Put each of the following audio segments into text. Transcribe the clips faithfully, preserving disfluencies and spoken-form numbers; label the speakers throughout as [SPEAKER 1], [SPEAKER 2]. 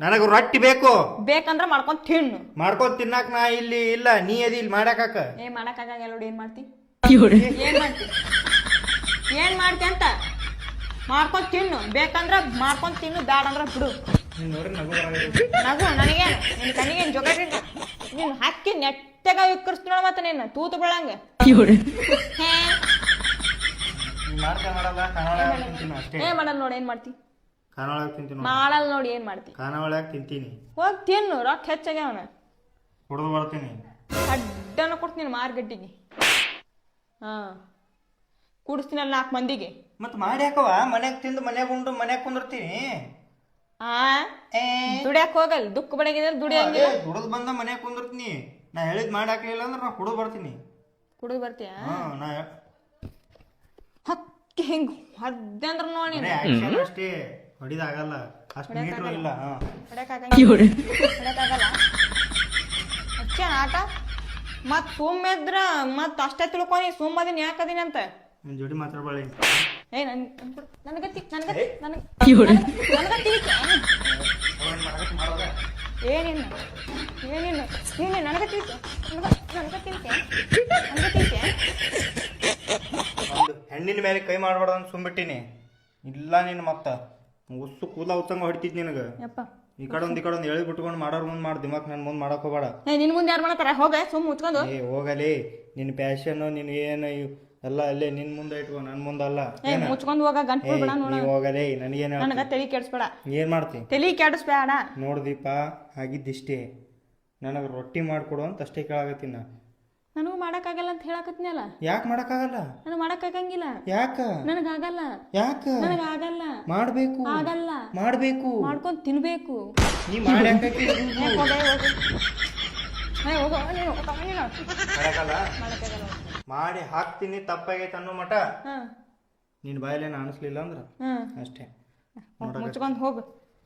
[SPEAKER 1] ನನಗ ರೊಟ್ಟಿ ಬೇಕು.
[SPEAKER 2] ಬೇಕಂದ್ರ ಮಾಡ್ಕೊಂಡ್ ತಿನ್ನು.
[SPEAKER 1] ಮಾಡ್ಕೊಂಡ್ ತಿನ್ನಾಕ ನಾ ಇಲ್ಲಿ ಇಲ್ಲ, ನೀ ಅದಿ ಇಲ್ಲಿ ಮಾಡಾಕ.
[SPEAKER 2] ಏ ಮಾಡಕ್ಕಾಗಲ್ಲ ನೋಡಿ. ಏನ್ ಮಾಡ್ತಿ ಏನ್ ಮಾಡ್ತಿ ಏನ್ ಮಾಡ್ತಿ ಅಂತ ಮಾಡ್ಕೊಂಡ್ ತಿನ್ನು. ಬೇಕಂದ್ರ ಮಾಡ್ಕೊಂಡ್ ತಿನ್ನು, ಬ್ಯಾಡ ಅಂದ್ರ ಬಿಡು. ನಗು ನನಗೇನು ನಿನ್ ಕಣ್ಣಿಗೇನು ಜೊಗಟ್ಟಿಲ್ಲ. ನೀನು ಹಾಕಿ ನೆಟ್ಟಗ ವಿಕ್ಕರಿಸ್ತು ನೋಡ. ಮತ್ತೆ ನೀನು ತೂತು ಬೆಳಂಗ ಏ ಮಾಡಲ್ಲ ನೋಡಿ. ಏನ್ ಮಾಡ್ತಿ ಮಾಡಲ್ಲ ನೋಡಿ. ಏನ್ ಮಾಡ್ತಿ
[SPEAKER 1] ಖಾನಾವಳಿಯಾಗ ತಿಂತೀನಿ.
[SPEAKER 2] ಹೋಗ್ ತಿನ್ನು. ರೊಕ್ಕ ಹೆಚ್ಚಾಗ್ಯಾವನ.
[SPEAKER 1] ಕುಡ್ದು ಬರ್ತೀನಿ.
[SPEAKER 2] ಅಡ್ಡನ ಕೊಡ್ತೀನಿ ಮಾರ್ಗಟ್ಟಿಗೆ. ಹಾ ಕುಡಿಸ್ತೀನಲ್ಲ ನಾಲ್ಕು ಮಂದಿಗೆ.
[SPEAKER 1] ಮತ್ ಮಾಡಿ ಹಾಕವ ಮನ್ಯಾಗ ತಿಂದು ಮನ್ಯಾಗ ಉಂಡು ಮನ್ಯಾಗ ಕುಂದಿರ್ತೀನಿ.
[SPEAKER 2] ಆ ದುಡಿಯಾಕ ಹೋಗಲ್. ದುಃಖ ಬಡಗಿದ್ರೆ ದುಡಿಯಂಗಿಲ್ಲ.
[SPEAKER 1] ದುಡದ್ ಬಂದ ಮನ್ಯಾಗ ಕುಂದಿರ್ತೀನಿ. ನಾ ಹೇಳಿದ್ ಮಾಡಿ ಹಾಕಲಿಲ್ಲ ಅಂದ್ರೆ ನಾ ಕುಡಿದು ಬರ್ತೀನಿ.
[SPEAKER 2] ಕುಡಿದು ಬರ್ತೀಯ?
[SPEAKER 1] ನಾ
[SPEAKER 2] ಹಕ್ಕಿ ಹಿಂಗ್ ಹೊದ್ದೆ ಅಂದ್ರ ನೋಡಿ.
[SPEAKER 1] ಅಷ್ಟೇ ಹೊಡಿದಾಗಲ್ಲ. ಅಷ್ಟು ಮೀಟ್ರು ಇಲ್ಲ.
[SPEAKER 2] ಹೊಡ್ಯಾಕಾಗಲ್ಲ ಅಚ್ಚ ಆಟ. ಮತ್ ಸುಮ್ಮಿದ್ರ ಮತ್ ಅಷ್ಟೇ ತಿಳ್ಕೊನಿ. ಸುಮ್ಮದಿನ ಯಾಕದೀನಿ ಅಂತ
[SPEAKER 1] ನಿನ್ ಜೋಡಿ ಮಾತಾಡ್ಬಾಳಿ.
[SPEAKER 2] ಏ ನನ್ ನನಗತ್ತಿ ನನಗ ನನಗ ಏನಿಲ್ಲ ಏನಿಲ್ಲ ನೀನು ನನಗ ತಿಳ್ಕೆ ನನಗ ತಿಳ್ಕೆ ನನಗ ತಿಳ್ಕೆ.
[SPEAKER 1] ಹೆಣ್ಣಿನ ಮೇಲೆ ಕೈ ಮಾಡ್ಬಾರ್ದು ಅಂತ ಸುಮ್ಬಿಟ್ಟಿನಿ. ಇಲ್ಲ ನೀನು ಮತ್ತ ಉಸ್ಸು ಕೂದಲ ಉತ್ತಂಗ ಹೊಡಿತಿದ್ ನಿನಗ. ಈ ಕಡೆ ಒಂದ್ ಈ ಕಡೆ ಒಂದ್ ಎಳಿ ಬಿಟ್ಕೊಂಡು ಮಾಡೋರ್ ಮುಂದ್ ಮಾಡ್. ದಿಮಾಕ್ ನನ್ ಮುಂದ್ ಮಾಡಕ್ ಹೋಗ್ಬೇಡ.
[SPEAKER 2] ನಿನ್ ಮುಂದೆ ಯಾರು ಮಾಡತಾರ? ಹೋಗ ಸುಮ್ ಮುಚ್ಕೊಂಡು.
[SPEAKER 1] ಏ ಹೋಗಲಿ. ನಿನ್ ಪ್ಯಾಶನ್ ನಿನ್ ಏನು ಎಲ್ಲ ಅಲ್ಲೇ ನಿನ್ ಮುಂದೆ ಇಟ್ಕೊ, ನನ್ ಮುಂದಲ್ಲ.
[SPEAKER 2] ಮುಚ್ಕೊಂಡು ಹೋಗ. ಗಂಟು ಬಿಡ ನೋಡ.
[SPEAKER 1] ಹೋಗಲೇ. ನನಗೇನ
[SPEAKER 2] ನನಗ ತಲೆ ಕೆಡಿಸ್ಬೇಡ.
[SPEAKER 1] ಏನ್ ಮಾಡ್ತಿ?
[SPEAKER 2] ತಲೆ ಕೆಡಿಸ್ಬೇಡ.
[SPEAKER 1] ನೋಡ್ದೀಪ ಆಗಿದ್ದಿಷ್ಟೇ. ನನಗ ರೊಟ್ಟಿ ಮಾಡ್ಕೊಡು ಅಂತ ಅಷ್ಟೇ ಕೇಳಾಕತ್ತೀನಿ ನಾ.
[SPEAKER 2] ನನಗೂ ಮಾಡಕ್ಕಾಗಲ್ಲ ಅಂತ ಹೇಳಕತ್ನಲ್ಲ.
[SPEAKER 1] ಯಾಕೆ ಮಾಡಕ್ಕಾಗಲ್ಲ?
[SPEAKER 2] ನನಗೆ ಮಾಡಕ್ಕಾಗಂಗಿಲ್ಲ.
[SPEAKER 1] ಯಾಕ?
[SPEAKER 2] ನನಗಾಗಲ್ಲ.
[SPEAKER 1] ಯಾಕ?
[SPEAKER 2] ನನಗಾಗಲ್ಲ.
[SPEAKER 1] ಮಾಡ್ಬೇಕು.
[SPEAKER 2] ಆಗಲ್ಲ.
[SPEAKER 1] ಮಾಡ್ಬೇಕು.
[SPEAKER 2] ಮಾಡ್ಕೊಂಡ್ ತಿನ್ಬೇಕು.
[SPEAKER 1] ನೀ ಮಾಡಿ ಮಾಡಿ ಹಾಕ್ತೀನಿ. ತಪ್ಪಾಗೈತೆ ಅನ್ನೋ ಮಟ ನಿನ್ ಬಾಯಲ್ಲೇನು ಅನಿಸ್ಲಿಲ್ಲ ಅಂದ್ರ ಅಷ್ಟೇ.
[SPEAKER 2] ಮುಚ್ಕೊಂಡ್ ಹೋಗು.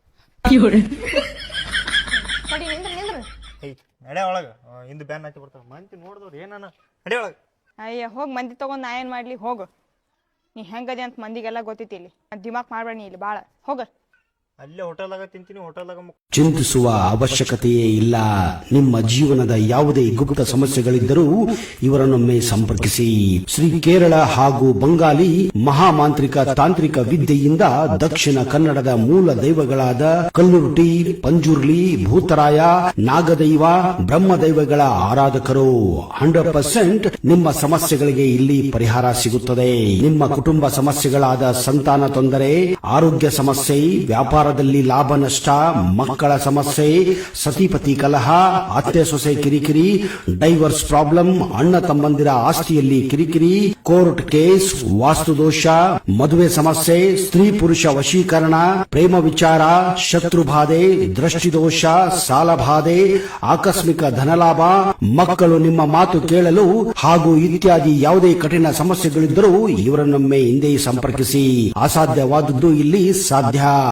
[SPEAKER 1] ನಡೆ ಒಳಗ. ಹಿಂದ್ ಬ್ಯಾನ್ ಹಾಕಿ ಬರ್ತಾವ ಮಂದಿ ನೋಡಿದವ್ರು ಏನಾನ. ನಡೆ ಒಳಗ.
[SPEAKER 2] ಅಯ್ಯ ಹೋಗ್. ಮಂದಿ ತಗೊಂಡ್ ನಾ ಏನ್ ಮಾಡ್ಲಿ? ಹೋಗು. ನೀ ಹೆಂಗದೆ ಅಂತ ಮಂದಿಗೆಲ್ಲ ಗೊತ್ತೈತಿ. ಇಲ್ಲಿ ದಿಮಾಕ್ ಮಾಡ್ಬೇಡ ನೀ ಇಲ್ಲಿ ಬಾಳ. ಹೋಗ.
[SPEAKER 1] ಅಲ್ಲೇ ಹೋಟೆಲ್ದಾಗ ತಿಂತೀನಿ. ಹೋಟೆಲ್ದಾಗ
[SPEAKER 3] ಚಿಂತಿಸುವ ಅವಶ್ಯಕತೆಯೇ ಇಲ್ಲ. ನಿಮ್ಮ ಜೀವನದ ಯಾವುದೇ ಗುಪ್ತ ಸಮಸ್ಯೆಗಳಿದ್ದರೂ ಇವರನ್ನೊಮ್ಮೆ ಸಂಪರ್ಕಿಸಿ. ಶ್ರೀ ಕೇರಳ ಹಾಗೂ ಬಂಗಾಲಿ ಮಹಾಮಾಂತ್ರಿಕ ತಾಂತ್ರಿಕ ವಿದ್ಯೆಯಿಂದ ದಕ್ಷಿಣ ಕನ್ನಡದ ಮೂಲ ದೈವಗಳಾದ ಕಲ್ಲುರುಟಿ, ಪಂಜುರ್ಲಿ, ಭೂತರಾಯ, ನಾಗದೈವ, ಬ್ರಹ್ಮದೈವಗಳ ಆರಾಧಕರು. ಹಂಡ್ರೆಡ್ ಪರ್ಸೆಂಟ್ ನಿಮ್ಮ ಸಮಸ್ಯೆಗಳಿಗೆ ಇಲ್ಲಿ ಪರಿಹಾರ ಸಿಗುತ್ತದೆ. ನಿಮ್ಮ ಕುಟುಂಬ ಸಮಸ್ಯೆಗಳಾದ ಸಂತಾನ ತೊಂದರೆ, ಆರೋಗ್ಯ ಸಮಸ್ಯೆ, ವ್ಯಾಪಾರದಲ್ಲಿ ಲಾಭ ನಷ್ಟ, ಮಕ್ಕಳ ಸಮಸ್ಯೆ, ಸತಿಪತಿ ಕಲಹ, ಅತ್ತೆ ಸೊಸೆ ಕಿರಿಕಿರಿ, ಡೈವರ್ಸ್ ಪ್ರಾಬ್ಲಮ್, ಅಣ್ಣ ತಮ್ಮಂದಿರ ಆಸ್ತಿಯಲ್ಲಿ ಕಿರಿಕಿರಿ, ಕೋರ್ಟ್ ಕೇಸ್, ವಾಸ್ತುದೋಷ, ಮದುವೆ ಸಮಸ್ಯೆ, ಸ್ತ್ರೀ ಪುರುಷ ವಶೀಕರಣ, ಪ್ರೇಮ ವಿಚಾರ, ಶತ್ರುಬಾಧೆ, ದೃಷ್ಟಿದೋಷ, ಸಾಲಬಾಧೆ, ಆಕಸ್ಮಿಕ ಧನಲಾಭ, ಮಕ್ಕಳು ನಿಮ್ಮ ಮಾತು ಕೇಳಲು ಹಾಗೂ ಇತ್ಯಾದಿ ಯಾವುದೇ ಕಠಿಣ ಸಮಸ್ಯೆಗಳಿದ್ದರೂ ಇವರನ್ನೊಮ್ಮೆ ಹಿಂದೆ ಸಂಪರ್ಕಿಸಿ. ಅಸಾಧ್ಯವಾದದ್ದು ಇಲ್ಲಿ ಸಾಧ್ಯ.